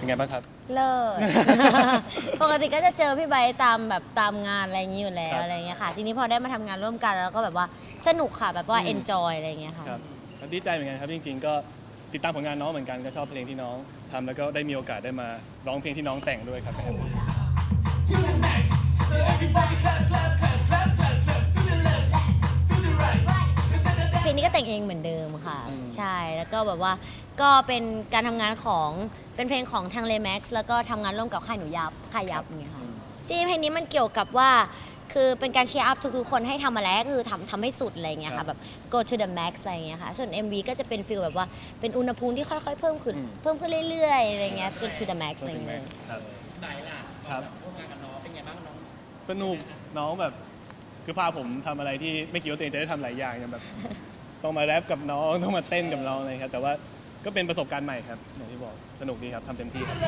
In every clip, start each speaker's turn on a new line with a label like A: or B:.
A: ไงบ้างครับ
B: เลิศ ปกติก็จะเจอพี่ไบร์ทตามงานอะไรอย่างนี้อยู่แล้วอะไรเงี้ยค่ะทีนี้พอได้มาทำงานร่วมกันแล้วก็แบบว่าสนุกค่ะแบบว่า enjoy อะไรเงี้ยค่ะ
A: ครับดีใจเหมือนกันครับจริงๆก็ติดตามผลงานน้องเหมือนกันก็ชอบเพลงที่น้องทำแล้วก็ได้มีโอกาสได้มาร้องเพลงที่น้องแต่งด้วยครับ
B: เพลงนี้ก็แต่งเองเหมือนเดิมค่ะใช่แล้วก็แบบว่าก็เป็นการทำงานของเป็นเพลงของทางเลแม็กซ์แล้วก็ทำงานร่วมกับค่ายหนูยับค่ายยับอย่างเงี้ยค่ะจริงเพลงนี้มันเกี่ยวกับว่าคือเป็นการเชียร์อัพทุกๆคนให้ทำอะไรก็คือทำให้สุดอะไรเงี้ยค่ะแบบ go to the max อะไรเงี้ยค่ะส่วน MV ก็จะเป็นฟีลแบบว่าเป็นอุณหภูมิที่ค่อยๆเพิ่มขึ้นเรื่อยๆอะไรเงี้ยจน to the max อะไรเงี้ย
C: ไหนล่ะครับร่วมงานกับน้องเป็นไงบ้างน้อง
A: สนุกน้องแบบคือพาผมทำอะไรที่ไม่คิดว่าตัวเองจะได้ทำหลายอย่างอย่างแบบ ต้องมาแรปกับน้องต้องมาเต้นกับน้องอะไรครับแต่ว่าก็เป็นประสบการณ์ใหม่ครับอย่างที่บอกสนุกดีครับทำเต็มที่ครับ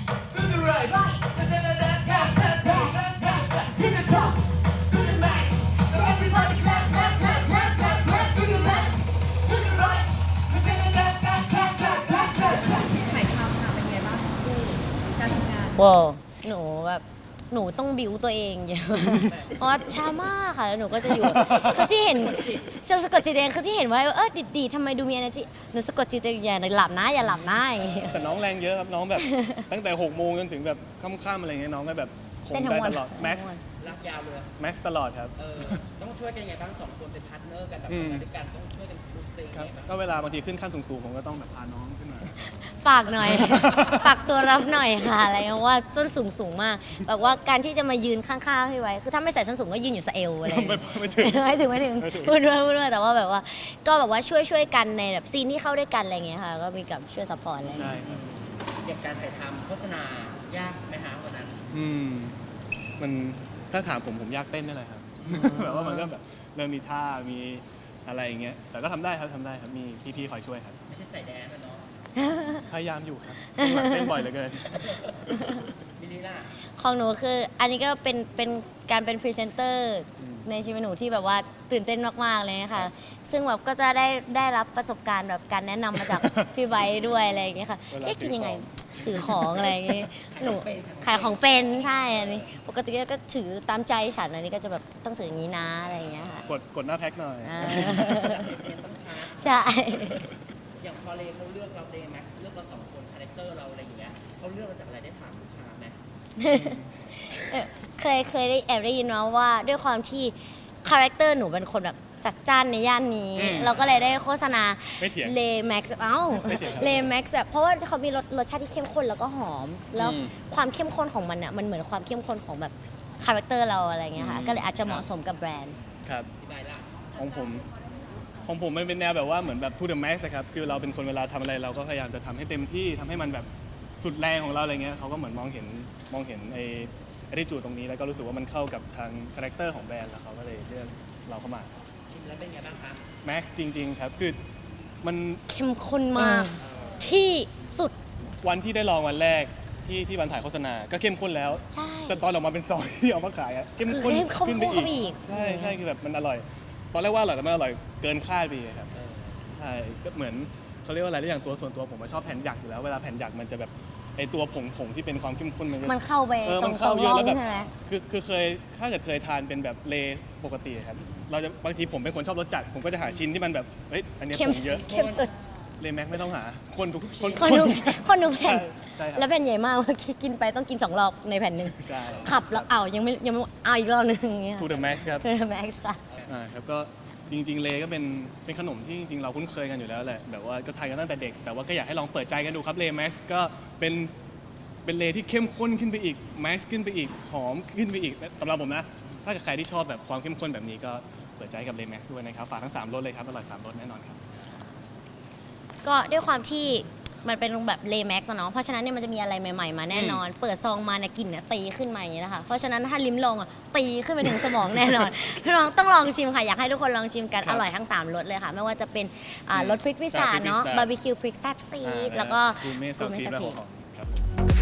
B: ว้าวหนูแบบหนูต้องบิวตัวเองเยอะ เพราะว่าช้ามากค่ะแล้วหนูก็จะอยู่คือที่เห็นเซลล์สะกดจิตเองคือที่เห็นว่าดีทำไมดูมี energy หนูสะกดจิตตัวเองอย่าหลับนะอย่าหลับนะอย่างเงี้ย
A: แต่น้องแรงเยอะครับน้องแบบ ตั้งแต่6 โมงจนถึงแบบค่ำๆอะไรเงี้ยน้องก็แบบคง
B: เต้นทั้
A: ได้
B: งวัน
A: ตลอดแม็กซ์
C: รักยาวเลย
A: แม็กซ์ตลอดครับ
C: ต้องช่วยกันยังไงบ้างสองคนเป็นพาร์ทเนอร์กันแบบทำงานด้วยกันต้องช่วยกันบูสต์เตง
A: ครับ
C: ไงบ้าง
A: ก็เวลาบางทีขึ้นขั้นสูงๆผมก็ต้องแบบพาน้องขึ้นมา
B: ฝากหน่อย ฝากตัวรับหน่อยค่ะอะไรเงี้ยว่าส้นสูงมากแบบว่าการที่จะมายืนข้างๆพี่ไว้คือถ้าไม่ใส่ส้นสูงก็ยืนอยู่สะเอวอะไรเงี้ย
A: ไม่ถึง
B: ไม่ถึงพูดด้วยแต่ว่าแบบว่าก็แบบว่าช่วยกันในแบบซีนที่เข้าด้วยกันอะไรเงี้ยค่ะก็มีกับช่วยซัพพอร์ตอะไรเงี้ย
A: ใช่ครับ
C: อย่างการถ่ายทำโฆษณายากไหมฮะวันนั้น
A: มันถ้าถามผมยากเต้นนี่แหละครับ แบบว่ามันก็แบบเริ่มมีท่ามีอะไรอย่างเงี้ยแต่ก็ทำได้ครับมีพี่ๆคอยช่วยครับ
C: ไม่ใช่ใส่แดนนะเนาะ
A: พยายามอยู่ครับเต้นบ่อยเหลือเกิน
C: มินิล่ะ
B: ของหนูคืออันนี้ก็เป็นการเป็นพรีเซนเตอร์ในชีวิตหนูที่แบบว่าตื่นเต้นมากๆเลยนะคะซึ่งแบบก็จะได้รับประสบการณ์แบบการแนะนำมาจาก พี่ไบร์ทด้วยอะไรอย่างเงี้ยค่ะ
A: เวลา
B: กินยังไงถือของอะไรอย่างเงี้ยหนูขายของเป็นใช่อันนี้ปกติก็ถือตามใจฉันอันนี้ก็จะแบบต้องถืออย่างนี้นะอะไรอย่างเงี้ยค่ะ
A: กดหน้าแพ็คหน่อย
B: อ่า
C: จากเอเซียนต้องชาร์จ
B: ใช่
C: อย่างพอเลเขาเลือกเราเดย์แม็กซ์เลือกเราสองคนคาแรคเตอร์เราอะไรอย่างเงี้ยเขาเลือกเราจากอะไรได้ถามลูกค้าไหม
B: เคยได้ยินมาว่าด้วยความที่คาแรคเตอร์หนูเป็นคนแบบจัดจ้านในย่านนี้ เราก็เลยได้โฆษณา
A: ไม่เถียง
B: เลแม็กซ์
A: ไม่เถียงครับ
B: เลแม็กซ์แบบเพราะว่าเขามีรสชาติที่เข้มข้นแล้วก็หอม แล้ว
A: อืม
B: ความเข้มข้นของมันอ่ะมันเหมือนความเข้มข้นของแบบคาแรคเตอร์เราอะไรเงี้ยค่ะก็เลยอาจจะเหมาะสมกับแบรนด์
A: ครับ
C: อธิบายล่ะ
A: ของผมมันเป็นแนวแบบว่าเหมือนแบบ to the max อะครับคือเราเป็นคนเวลาทำอะไรเราก็พยายามจะทำให้เต็มที่ทำให้มันแบบสุดแรงของเราอะไรเงี้ยเขาก็เหมือนมองเห็นไอ้attitudeตรงนี้แล้วก็รู้สึกว่ามันเข้ากับทางคาแรคเตอร์ของแบรนด์แล้วเขาก็เลยเลือกเราเข้ามา
C: ชิมแล้วเป็นไงบ้างครับ
A: max จริง ๆ ครับคือมัน
B: เข้มข้นมากที่สุด
A: วันที่ได้ลองวันแรกที่วันถ่ายโฆษณาก็เข้มข้นแล้ว
B: ใช่
A: แต่ตอนออกมาเป็นซองที่เอามาขายอะเข้มข้น
B: คือเข้มข้น
A: ขึ้นไป
B: เข้าไปอี
A: อี
B: ก
A: กใช่คือแบบมันอร่อย ตอนแรกว่าอร่อยแต่มันอร่อยเกินคาดไปอีกครับใช่ก็เหมือนเขาเรียกว่าอะไรได้อย่างตัวส่วนตัวผมชอบแผ่นหยักอยู่แล้วเวลาแผ่นหยักมันจะแบบไอตัวผงที่เป็นความเข้มข้นมันจะ
B: มันเข้าไปตร
A: มัน
B: ง
A: เข้าเย
B: ร่
A: อะ
B: อง
A: แล้วแบบ
B: ใช่ไหม
A: คือเคยถ้าเกิดเคยทานเป็นแบบเลย์ปกติครับเราจะบางทีผมเป็นคนชอบรสจัดผมก็จะหาชิ้นที่มันแบบเฮ้ยอันเนี้ย
B: เข้ม
A: ผงเยอะ
B: เข้มสุด
A: เลย์แม็กไม่ต้องหาคนทุก
B: คนดูแผ่น
A: ใช่ครับ
B: แล้วแผ่นใหญ่มาก กินไปต้องกิน2 รอบในแผ่นหนึ่ง
A: ใช่
B: ขับแล้วยังไม่เอาอีกรอบหนึงอย่างเงี้ย
A: to the max ครับ
B: เจอแม็กซ์ค่ะ
A: ครับก็จริงๆเลก็เป็นขนมที่จริงๆเราคุ้นเคยกันอยู่แล้วแหละแบบว่าก็ทานกันตั้งแต่เด็ก แต่ว่าก็อยากให้ลองเปิดใจกันดูครับเลแม็กซ์ก็เป็นเลที่เข้มข้นขึ้นไปอีกแม็กซ์ขึ้นไปอีกหอมขึ้นไปอีกสำหรับผมนะถ้าเกิดใครที่ชอบแบบความเข้มข้นแบบนี้ก็เปิดใจกับเลแม็กซ์ด้วยนะครับฝากทั้ง3รสเลยครับอร่อย3รสแน่นอนครับ
B: ก็ด้วยความที่มันเป็นแบบเลแม็กซ์เนาะเพราะฉะนั้นเนี่ยมันจะมีอะไรใหม่ๆมาแน่นอน เปิดซองมาเนี่ยกลิ่นเนี่ยตีขึ้นมาอย่างนี้นะคะเพราะฉะนั้นถ้าลิ้มลองอ่ะตีขึ้นไปถึงสมองแน่นอน น้องต้องลองชิมค่ะอยากให้ทุกคนลองชิมกัน
A: ครับ
B: อร่อยทั้ง3รสเลยค่ะไม่ว่าจะเป็นรสพริกพิซซ่า
A: พริกพิซซ่า
B: เนาะบาร์บีคิวพริกแซ่บซีดแล้วก็
A: กูเม่ซา
B: กูเม่
A: ที
B: ซา
A: และ
B: ที
A: หัวหอมครับ